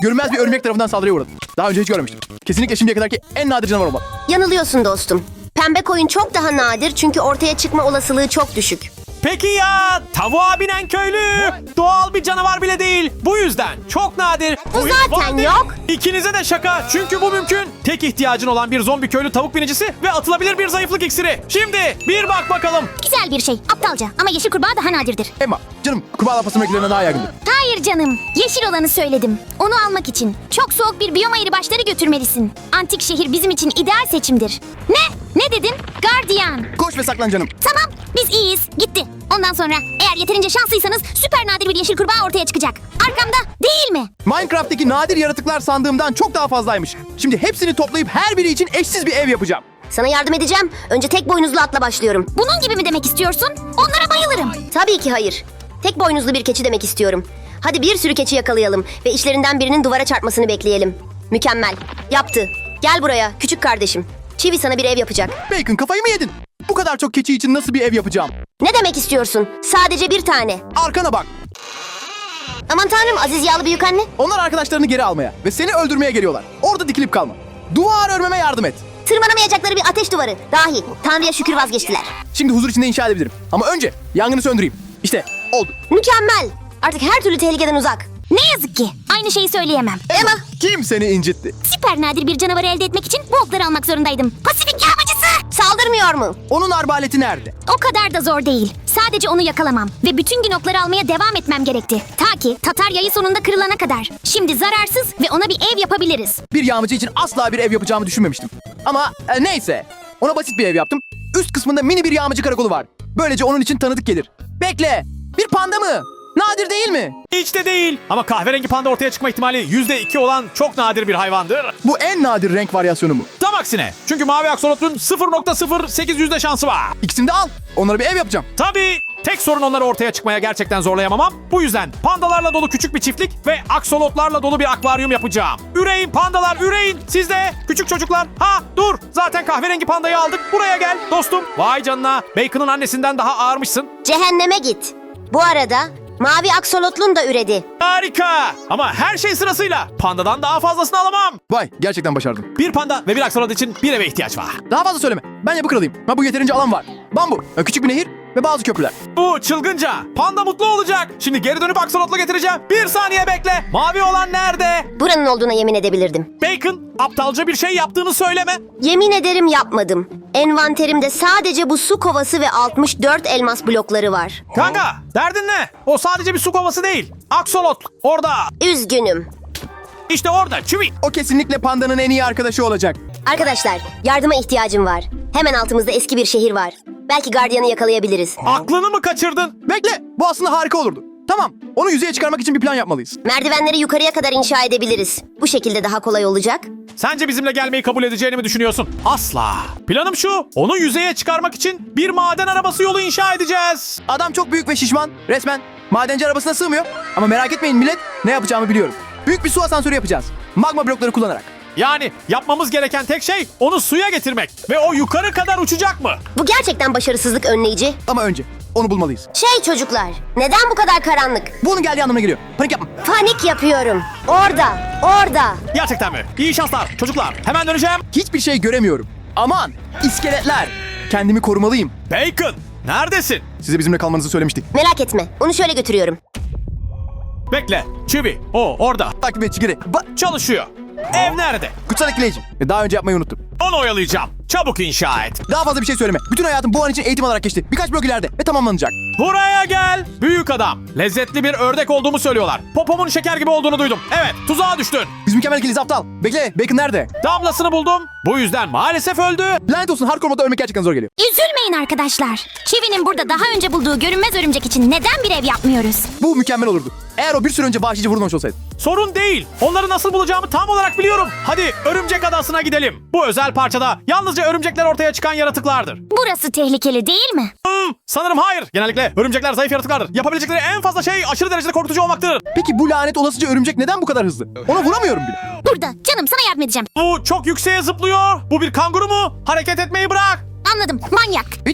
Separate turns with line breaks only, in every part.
Görünmez bir örümcek tarafından saldırıya uğradı. Daha önce hiç görmemiştim. Kesinlikle şimdiye kadarki en nadir canavar olmalı.
Yanılıyorsun dostum. Pembe koyun çok daha nadir çünkü ortaya çıkma olasılığı çok düşük.
Peki ya tavuğa binen köylü? Doğal bir canavar bile değil. Bu yüzden çok nadir.
Bu zaten
Vardır.
yok.
İkinize de şaka çünkü bu mümkün. Tek ihtiyacın olan bir zombi köylü tavuk binicisi ve atılabilir bir zayıflık iksiri. Şimdi bir bak bakalım.
Güzel bir şey. Aptalca ama yeşil kurbağa daha nadirdir.
Emma, canım kurbağa pasırmaklarına daha yaygındır.
Hayır canım. Yeşil olanı söyledim. Onu almak için çok soğuk bir biyom ayırı başları götürmelisin. Antik şehir bizim için ideal seçimdir. Ne? Ne dedin? Gardiyan.
Koş ve saklan canım.
Tamam. Biz iyiyiz. Gitti. Ondan sonra eğer yeterince şanslıysanız süper nadir bir yeşil kurbağa ortaya çıkacak. Arkamda değil mi?
Minecraft'taki nadir yaratıklar sandığımdan çok daha fazlaymış. Şimdi hepsini toplayıp her biri için eşsiz bir ev yapacağım.
Sana yardım edeceğim. Önce tek boynuzlu atla başlıyorum.
Bunun gibi mi demek istiyorsun? Onlara bayılırım.
Tabii ki hayır. Tek boynuzlu bir keçi demek istiyorum. Hadi bir sürü keçi yakalayalım ve içlerinden birinin duvara çarpmasını bekleyelim. Mükemmel. Yaptı. Gel buraya küçük kardeşim. Çivi sana bir ev yapacak.
Bacon, kafayı mı yedin? Bu kadar çok keçi için nasıl bir ev yapacağım?
Ne demek istiyorsun? Sadece bir tane.
Arkana bak.
Aman tanrım Aziz Yağlı büyükanne.
Onlar arkadaşlarını geri almaya ve seni öldürmeye geliyorlar. Orada dikilip kalma. Duvar örmeme yardım et.
Tırmanamayacakları bir ateş duvarı. Dahi. Tanrı'ya şükür vazgeçtiler.
Şimdi huzur içinde inşa edebilirim. Ama önce yangını söndüreyim. İşte oldu.
Mükemmel. Artık her türlü tehlikeden uzak.
Ne yazık ki. Aynı şeyi söyleyemem.
Emma.
Kim seni incitti?
Süper nadir bir canavarı elde etmek için bu okları almak zorundaydım. Pasifik yağmacısı!
Saldırmıyor mu?
Onun arbaleti nerede?
O kadar da zor değil. Sadece onu yakalamam ve bütün gün okları almaya devam etmem gerekti. Ta ki Tatar yayı sonunda kırılana kadar. Şimdi zararsız ve ona bir ev yapabiliriz.
Bir yağmacı için asla bir ev yapacağımı düşünmemiştim. Ama neyse. Ona basit bir ev yaptım. Üst kısmında mini bir yağmacı karakolu var. Böylece onun için tanıdık gelir. Bekle. Bir panda mı? Nadir değil mi?
Hiç de değil. Ama kahverengi panda ortaya çıkma ihtimali %2 olan çok nadir bir hayvandır.
Bu en nadir renk varyasyonu mu?
Tam aksine. Çünkü mavi aksolotun 0.08 şansı var.
İkisini de al. Onlara bir ev yapacağım.
Tabii tek sorun onları ortaya çıkmaya gerçekten zorlayamamam. Bu yüzden pandalarla dolu küçük bir çiftlik ve aksolotlarla dolu bir akvaryum yapacağım. Üreyin pandalar, üreyin. Siz de küçük çocuklar. Ha dur, zaten kahverengi pandayı aldık. Buraya gel dostum. Vay canına, Bacon'ın annesinden daha ağırmışsın.
Cehenneme git. Bu arada mavi aksolotlun da üredi.
Harika. Ama her şey sırasıyla. Pandadan daha fazlasını alamam.
Vay, gerçekten başardım.
Bir panda ve bir aksolot için bir eve ihtiyaç var.
Daha fazla söyleme. Ben yapı kralıyım. Ha, bu yeterince alan var. Bambu, küçük bir nehir ve bazı köprüler.
Bu çılgınca. Panda mutlu olacak. Şimdi geri dönüp aksolotla getireceğim. Bir saniye bekle. Mavi olan nerede?
Buranın olduğuna yemin edebilirdim.
Bacon, aptalca bir şey yaptığını söyleme.
Yemin ederim yapmadım. Envanterimde sadece bu su kovası ve 64 elmas blokları var.
Kanka, derdin ne? O sadece bir su kovası değil. Aksolot, orada.
Üzgünüm.
İşte orada, çivi.
O kesinlikle pandanın en iyi arkadaşı olacak.
Arkadaşlar, yardıma ihtiyacım var. Hemen altımızda eski bir şehir var. Belki gardiyanı yakalayabiliriz.
Aklını mı kaçırdın?
Bekle, bu aslında harika olurdu. Tamam, onu yüzeye çıkarmak için bir plan yapmalıyız.
Merdivenleri yukarıya kadar inşa edebiliriz. Bu şekilde daha kolay olacak.
Sence bizimle gelmeyi kabul edeceğini mi düşünüyorsun? Asla. Planım şu, onu yüzeye çıkarmak için bir maden arabası yolu inşa edeceğiz.
Adam çok büyük ve şişman, resmen. Madenci arabasına sığmıyor. Ama merak etmeyin millet, ne yapacağımı biliyorum. Büyük bir su asansörü yapacağız. Magma blokları kullanarak.
Yani yapmamız gereken tek şey onu suya getirmek. Ve o yukarı kadar uçacak mı?
Bu gerçekten başarısızlık önleyici.
Ama önce onu bulmalıyız.
Çocuklar, neden bu kadar karanlık?
Bu onun geldiği anlamına geliyor. Panik yapma.
Panik yapıyorum. Orada.
Gerçekten mi? İyi şanslar çocuklar. Hemen döneceğim.
Hiçbir şey göremiyorum. Aman, iskeletler. Kendimi korumalıyım.
Bacon, neredesin?
Size bizimle kalmanızı söylemiştik.
Merak etme, onu şöyle götürüyorum.
Bekle. Çivi. O orada.
Takip et geri.
Çalışıyor. Ev nerede?
Kutsal etkileyici. Daha önce yapmayı unuttum.
Onu oyalayacağım. Çabuk inşa et.
Daha fazla bir şey söyleme. Bütün hayatım bu an için eğitim alarak geçti. Birkaç blok ileride ve tamamlanacak.
Buraya gel. Büyük adam. Lezzetli bir ördek olduğumu söylüyorlar. Popomun şeker gibi olduğunu duydum. Evet, tuzağa düştün.
Biz mükemmel ikiliyiz aptal. Bekle, Bacon nerede?
Damlasını buldum. Bu yüzden maalesef öldü.
Lanet olsun, hardcore modda ölmek gerçekten zor geliyor.
Üzülmeyin arkadaşlar. Çivi'nin burada daha önce bulduğu görünmez örümcek için neden bir ev yapmıyoruz?
Bu mükemmel olurdu. Eğer o bir süre önce vahşice vurulmamış olsaydı.
Sorun değil. Onları nasıl bulacağımı tam olarak biliyorum. Hadi örümcek adasına gidelim. Bu özel parçada yalnızca örümcekler ortaya çıkan yaratıklardır.
Burası tehlikeli değil mi?
Sanırım hayır. Genellikle örümcekler zayıf yaratıklardır. Yapabilecekleri en fazla şey aşırı derecede korkutucu olmaktır.
Peki bu lanet olasıca örümcek neden bu kadar hızlı? Ona vuramıyorum bile.
Burada. Canım sana yardım edeceğim.
Bu çok yükseğe zıplıyor. Bu bir kanguru mu? Hareket etmeyi bırak.
Anladım. Manyak.
Bir tane daha.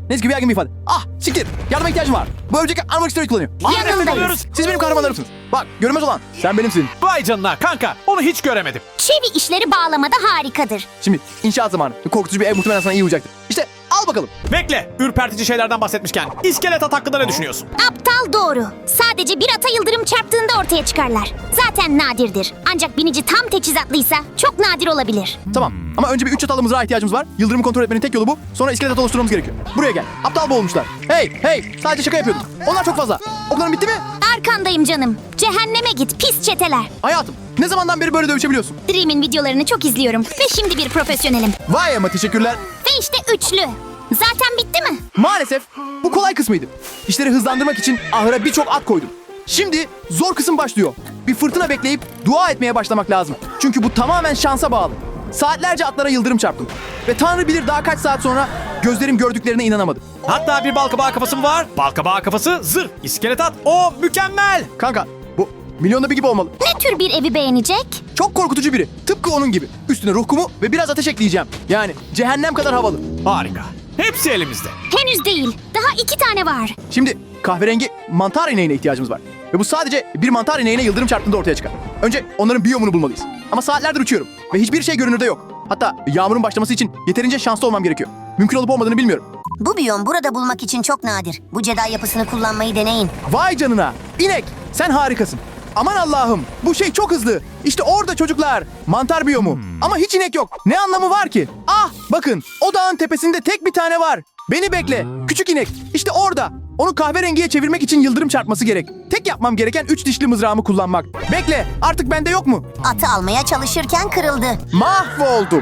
Neyse ki bir yaygın bir ifade. Ah siktir. Yardıma ihtiyacım var. Bu örümcek armorik steroid kullanıyor.
Yanındayız.
Siz benim kahramanlarımsınız. Bak görünmez olan sen benimsin.
Vay canına kanka onu hiç göremedim.
Çivi işleri bağlamada harikadır.
Şimdi inşaat zamanı. Korkutucu bir ev muhtemelen sana iyi olacaktır. İşte al bakalım.
Bekle ürpertici şeylerden bahsetmişken iskelet at hakkında ne düşünüyorsun?
Aptal doğru. Sadece bir ata yıldırım çarptığında ortaya çıkarlar. Zaten nadirdir. Ancak binici tam teçhizatlıysa çok nadir olabilir.
Tamam ama önce bir 3 çatallı mızrağa ihtiyacımız var. Yıldırımı kontrol etmenin tek yolu bu. Sonra iskelet at oluşturmamız gerekiyor. Buraya gel. Aptal boğulmuşlar. Hey sadece şaka yapıyordum. Onlar çok fazla. Okların bitti mi?
Arkandayım canım. Cehenneme git pis çeteler.
Hayatım ne zamandan beri böyle dövüşebiliyorsun?
Dream'in videolarını çok izliyorum ve şimdi bir profesyonelim.
Vay ama teşekkürler.
Ve işte üçlü. Zaten bitti mi?
Maalesef bu kolay kısmıydı. İşleri hızlandırmak için ahıra birçok at koydum. Şimdi zor kısım başlıyor. Bir fırtına bekleyip dua etmeye başlamak lazım. Çünkü bu tamamen şansa bağlı. Saatlerce atlara yıldırım çarptım. Ve Tanrı bilir daha kaç saat sonra gözlerim gördüklerine inanamadım.
Hatta bir balkabağı kafası var. Balkabağı kafası zırh. İskelet at. O mükemmel.
Kanka bu milyonda bir gibi olmalı.
Ne tür bir evi beğenecek?
Çok korkutucu biri. Tıpkı onun gibi. Üstüne ruh kumu ve biraz ateş ekleyeceğim. Yani cehennem kadar havalı.
Harika. Hepsi elimizde.
Henüz değil. Daha 2 tane var.
Şimdi kahverengi mantar ineğine ihtiyacımız var. Ve bu sadece bir mantar ineğine yıldırım çarptığında ortaya çıkar. Önce onların biyomunu bulmalıyız. Ama saatlerdir uçuyorum. Ve hiçbir şey görünürde yok. Hatta yağmurun başlaması için yeterince şanslı olmam gerekiyor. Mümkün olup olmadığını bilmiyorum.
Bu biyom burada bulmak için çok nadir. Bu Jedi yapısını kullanmayı deneyin.
Vay canına! İnek! Sen harikasın. Aman Allah'ım! Bu şey çok hızlı. İşte orada çocuklar. Mantar biyomu. Ama hiç inek yok. Ne anlamı var ki? Ah! Bakın! O dağın tepesinde tek bir tane var. Beni bekle. Küçük inek. İşte orada. Onu kahverengiye çevirmek için yıldırım çarpması gerek. Tek yapmam gereken 3 dişli mızrağımı kullanmak. Bekle! Artık bende yok mu?
Atı almaya çalışırken kırıldı.
Mahvoldum.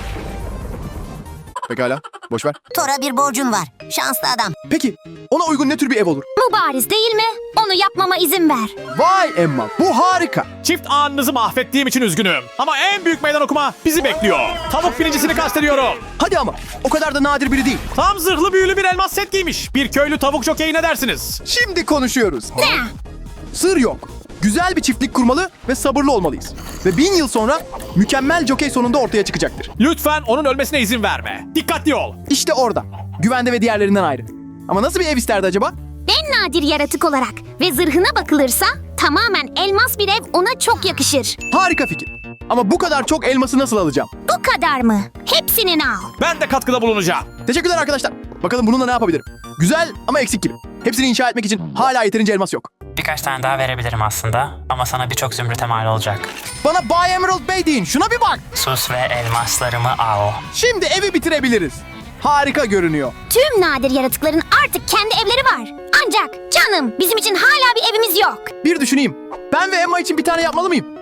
Pekala. Boş ver.
Thor'a bir borcun var. Şanslı adam.
Peki. Ona uygun ne tür bir ev olur?
Mübariz değil mi? Onu yapmama izin ver.
Vay Emma. Bu harika.
Çift anınızı mahvettiğim için üzgünüm. Ama en büyük meydan okuma bizi bekliyor. Tavuk biricisini kastediyorum.
Hadi ama. O kadar da nadir biri değil.
Tam zırhlı büyülü bir elmas set giymiş. Bir köylü tavuk jokeyi ne dersiniz?
Şimdi konuşuyoruz.
Ne?
Sır yok. Güzel bir çiftlik kurmalı ve sabırlı olmalıyız. Ve 1000 yıl sonra mükemmel jokey sonunda ortaya çıkacaktır.
Lütfen onun ölmesine izin verme. Dikkatli ol.
İşte orada. Güvende ve diğerlerinden ayrı. Ama nasıl bir ev isterdi acaba?
En nadir yaratık olarak ve zırhına bakılırsa tamamen elmas bir ev ona çok yakışır.
Harika fikir. Ama bu kadar çok elması nasıl alacağım?
Bu kadar mı? Hepsini al.
Ben de katkıda bulunacağım.
Teşekkürler arkadaşlar. Bakalım bununla ne yapabilirim? Güzel ama eksik gibi. Hepsini inşa etmek için hala yeterince elmas yok.
Birkaç tane daha verebilirim aslında ama sana birçok zümrüte mal olacak.
Bana Bay Emerald Bey deyin. Şuna bir bak.
Sus ve elmaslarımı al.
Şimdi evi bitirebiliriz. Harika görünüyor.
Tüm nadir yaratıkların artık kendi evleri var. Ancak canım bizim için hala bir evimiz yok.
Bir düşüneyim. Ben ve Emma için bir tane yapmalı mıyım?